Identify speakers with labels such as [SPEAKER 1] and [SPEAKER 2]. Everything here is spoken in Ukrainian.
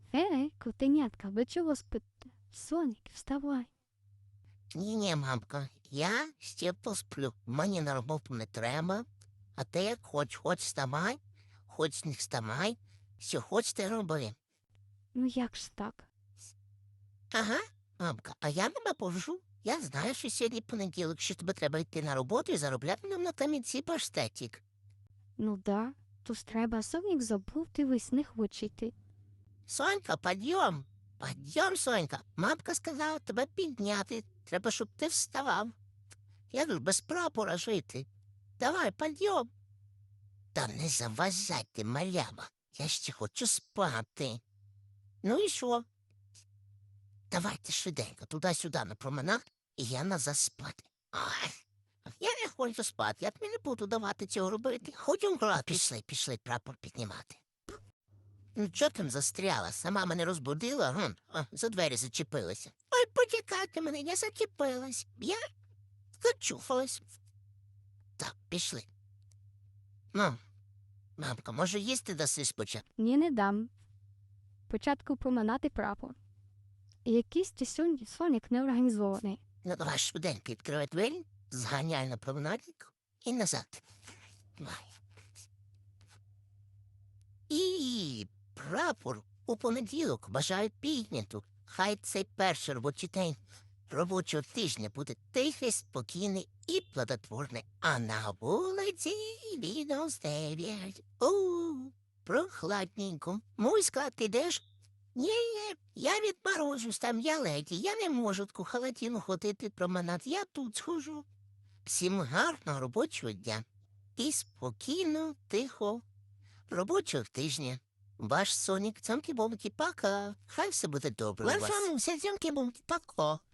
[SPEAKER 1] Котенятка, ви чого спите? Сонік, вставай.
[SPEAKER 2] Ні, мамка, я ще посплю. Мені на роботу не треба. А ти як хоч вставай, хоч не вставай. Що хоч ти роби.
[SPEAKER 1] Ну як ж так?
[SPEAKER 2] Ага, мамка, а я тебе повжу. Я знаю, що сьогодні понеділок, що тобі треба йти на роботу і заробляти нам на камінці паштетик.
[SPEAKER 1] Ну да, то ж треба Сонік забув, дивись, не хоче йти.
[SPEAKER 2] Сонька, підйом. Підйом, Сонька. Мамка сказала тебе підняти. Треба, щоб ти вставав. Я тут без прапора жити. Давай, підйом. Та не заважай ти, малява. Я ще хочу спати. Ну і що? Давайте швиденько, туди-сюди на променад, і я назад спати. Ай, я не хочу спати, я тобі не буду давати цього робити. Ходім грати. Пішли, прапор піднімати. Ну, чого там застряла? Сама мене розбудила, за двері зачепилася. Ой, почекайте мене, я зачепилась. Я зачуфалась. Так, пішли. Ну, мамка, може їсти даси спочатку?
[SPEAKER 1] Ні, не дам. Спочатку проминати прапор. Якийсь ти сьогодні Сонік неорганізований.
[SPEAKER 2] Ну, давай швиденько відкривай двері, зганяй на променадник і назад. Давай. І прапор у понеділок бажаю підняту. Хай цей перший робочий день робочого тижня буде тихий, спокійний і плодотворний. А на вулиці мінус 9. Прохладненько. Муська, ти йдеш? Ні, я відморожусь, там я леді, я не можу таку халатіну ходити променад, я тут схожу. Всім гарного робочого дня і спокійно, тихо робочого тижня. Ваш Сонік, цьомки-бомки, пока. Хай все буде добре у вас. Ваша муся, цьомки-бомки, пока.